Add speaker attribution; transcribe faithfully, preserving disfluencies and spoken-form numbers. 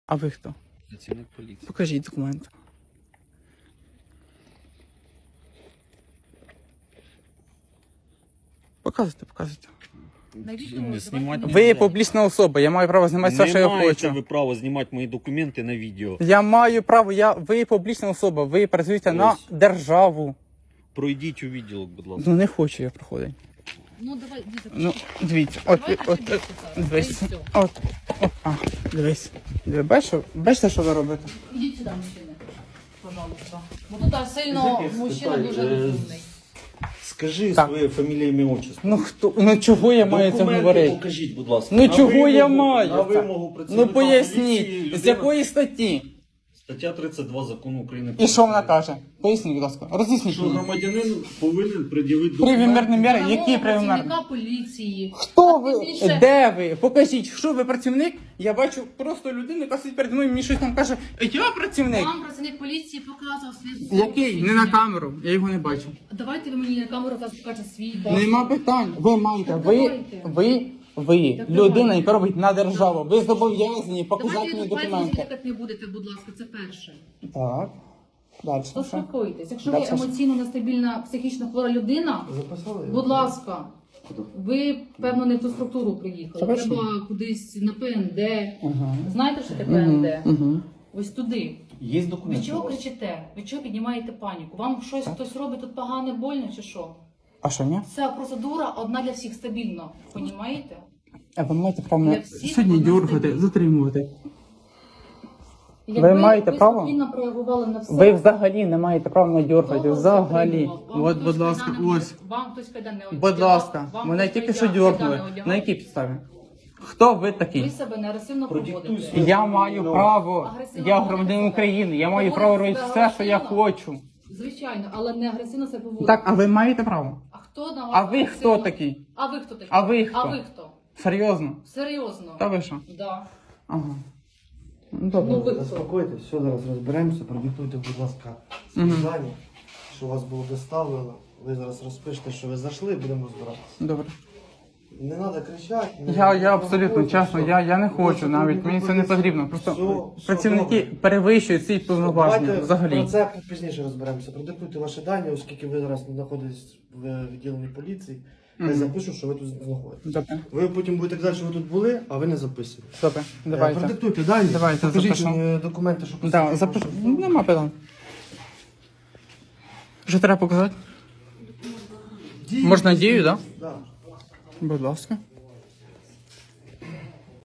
Speaker 1: А ви хто?
Speaker 2: Працівник поліції.
Speaker 1: Покажіть документи. Показуйте, показуйте.
Speaker 2: Не знімати
Speaker 1: Ви є
Speaker 2: нельзя.
Speaker 1: публічна особа, я маю право знімати все, що я
Speaker 2: Не маєте
Speaker 1: хочу.
Speaker 2: ви право знімати мої документи на відео.
Speaker 1: Я маю право, я, ви є публічна особа, ви працюєте
Speaker 2: Ось.
Speaker 1: на державу.
Speaker 2: Пройдіть у відділок, будь ласка.
Speaker 1: Ну не хочу я проходити.
Speaker 3: Ну давай, дивіться.
Speaker 1: Ну, дивіться, от,
Speaker 3: Давайте
Speaker 1: от,
Speaker 3: сюди,
Speaker 1: от,
Speaker 3: сюди.
Speaker 1: дивись,
Speaker 3: Та й все.
Speaker 1: от, от, а, дивись. Диви, бачиш, бачите, що ви робите?
Speaker 3: Ідіть сюди, мужчини. Пожалуйста. Бо тут так сильно мужчина дуже розумний.
Speaker 2: Скажи
Speaker 1: Так.
Speaker 2: своє фамілія, ім'я, отчество.
Speaker 1: Ну хто, ну чого я маю це
Speaker 2: Документи
Speaker 1: говорити?
Speaker 2: покажіть, будь ласка.
Speaker 1: Ну
Speaker 2: На
Speaker 1: чого я
Speaker 2: вимогу-
Speaker 1: маю
Speaker 2: На
Speaker 1: це?
Speaker 2: вимогу працівника
Speaker 1: Ну поясніть,
Speaker 2: поліції,
Speaker 1: з
Speaker 2: людина-
Speaker 1: якої статті?
Speaker 2: Стаття тридцять два закону України.
Speaker 1: І що вона каже? Поясніть, будь ласка, роз'ясніть
Speaker 2: Що
Speaker 1: мені.
Speaker 2: громадянин повинен пред'явити
Speaker 1: Привімерні
Speaker 2: документи.
Speaker 1: міри,
Speaker 3: Вимога
Speaker 1: які привімерні?
Speaker 3: працівника поліції.
Speaker 1: Хто
Speaker 3: А
Speaker 1: ви?
Speaker 3: тим більше-
Speaker 1: Де ви? Покажіть, що ви працівник? Я бачу просто людину, яка сидить перед мною, мені щось там каже, я працівник.
Speaker 3: Вам працівник поліції показував свій...
Speaker 1: Який? Не на камеру, я його не бачу.
Speaker 3: Давайте ви мені на камеру зараз покажете свій
Speaker 1: Нема питань. Ви маєте, ви,
Speaker 3: давайте.
Speaker 1: ви, ви,
Speaker 3: Так
Speaker 1: людина,
Speaker 3: давайте.
Speaker 1: яка робить на державу. Ви зобов'язані показати
Speaker 3: Давайте
Speaker 1: мені
Speaker 3: ви пальцем
Speaker 1: документи.
Speaker 3: затикати не будете, будь ласка, це перше.
Speaker 1: Так. Далі. що?
Speaker 3: Заспокойтесь. Якщо ви
Speaker 1: Дальше що?
Speaker 3: емоційно нестабільна, психічно хвора людина, будь ласка, ви, певно, не в ту структуру приїхали.
Speaker 1: Хорошо.
Speaker 3: Треба кудись на ПНД.
Speaker 1: Ага.
Speaker 3: Знаєте, що таке ПНД?
Speaker 1: Угу.
Speaker 3: Ось туди.
Speaker 2: Є
Speaker 3: Ви
Speaker 2: документи?
Speaker 3: чого кричите? Ви чого піднімаєте паніку? Вам щось хтось робить тут погане, больно чи що?
Speaker 1: А що, ні?
Speaker 3: Ця процедура одна для всіх стабільна. Понімаєте?
Speaker 1: А ви маєте право
Speaker 3: Для
Speaker 1: мене
Speaker 3: всіх
Speaker 1: сьогодні
Speaker 3: вона
Speaker 1: дергати,
Speaker 3: стабільна.
Speaker 1: затримувати.
Speaker 3: Якби
Speaker 1: маєте
Speaker 3: ви
Speaker 1: право?
Speaker 3: спокійно реагували на все.
Speaker 1: Ви взагалі не маєте права мене дергати.
Speaker 3: Хто вас
Speaker 1: Взагалі.
Speaker 3: затримував? Вам
Speaker 1: От,
Speaker 3: хтось
Speaker 1: будь ласка,
Speaker 3: кайдани не-
Speaker 1: ось.
Speaker 3: Вам хтось кайдан не
Speaker 1: Будь
Speaker 3: одягав?
Speaker 1: ласка,
Speaker 3: Вам
Speaker 1: мене
Speaker 3: хтось
Speaker 1: тільки що
Speaker 3: кайдан- кайдани
Speaker 1: дергнули.
Speaker 3: одягав?
Speaker 1: На якій підставі? Хто ви
Speaker 3: Ви
Speaker 1: такий?
Speaker 3: себе не агресивно
Speaker 2: Продиктуй
Speaker 3: поводите.
Speaker 2: своє.
Speaker 1: Я маю право.
Speaker 3: Агресивно
Speaker 1: Я
Speaker 3: поводите
Speaker 1: громадянин
Speaker 3: себе?
Speaker 1: України. Я маю
Speaker 3: Поводите
Speaker 1: право робити
Speaker 3: себе
Speaker 1: все, що я
Speaker 3: агресивно?
Speaker 1: хочу.
Speaker 3: Звичайно, але не агресивно себе поводите.
Speaker 1: Так, а ви маєте право?
Speaker 3: А хто на вас
Speaker 1: А ви хто
Speaker 3: агресивно?
Speaker 1: такий?
Speaker 3: А ви хто такий?
Speaker 1: А ви хто?
Speaker 3: А ви хто?
Speaker 1: Серйозно?
Speaker 3: Серйозно?
Speaker 1: Та ви що?
Speaker 3: Да.
Speaker 1: Ага. Ну,
Speaker 3: Ну
Speaker 1: добре.
Speaker 3: ви хто?
Speaker 4: Заспокойтесь, все, зараз розберемося. Продиктуйте, будь ласка,
Speaker 1: Мгм.
Speaker 4: завдання, що вас було доставлено. Ви зараз розпишете, що ви зайшли, і будемо розбиратися.
Speaker 1: Добре.
Speaker 4: Не треба кричати. не-
Speaker 1: Я, я
Speaker 4: не
Speaker 1: абсолютно
Speaker 4: провокуйте,
Speaker 1: чесно,
Speaker 4: все.
Speaker 1: я, я не
Speaker 4: Просто
Speaker 1: хочу навіть, мені це не потрібно. Просто
Speaker 4: Все, все
Speaker 1: працівники
Speaker 4: добре.
Speaker 1: перевищують ці повноваження
Speaker 4: Давайте
Speaker 1: взагалі.
Speaker 4: про це пізніше розберемося. Продиктуйте ваші дані, оскільки ви зараз знаходитесь в відділенні поліції. Я
Speaker 1: Мгм.
Speaker 4: запишу, що ви тут знаходитесь.
Speaker 1: Добре,
Speaker 4: Ви потім будете казати, що ви тут були, а ви не записуєте.
Speaker 1: добре,
Speaker 4: Е,
Speaker 1: давайте.
Speaker 4: Продиктуйте дані,
Speaker 1: Давайте,
Speaker 4: покажіть
Speaker 1: запишу.
Speaker 4: мені документи, що
Speaker 1: Да,
Speaker 4: посвідчують
Speaker 1: запишу.
Speaker 4: вашу
Speaker 1: Ну,
Speaker 4: особу.
Speaker 1: нема питань. Що треба показати?
Speaker 4: Дію.
Speaker 1: Можна дію, так?
Speaker 4: Да.
Speaker 1: Будь ласка.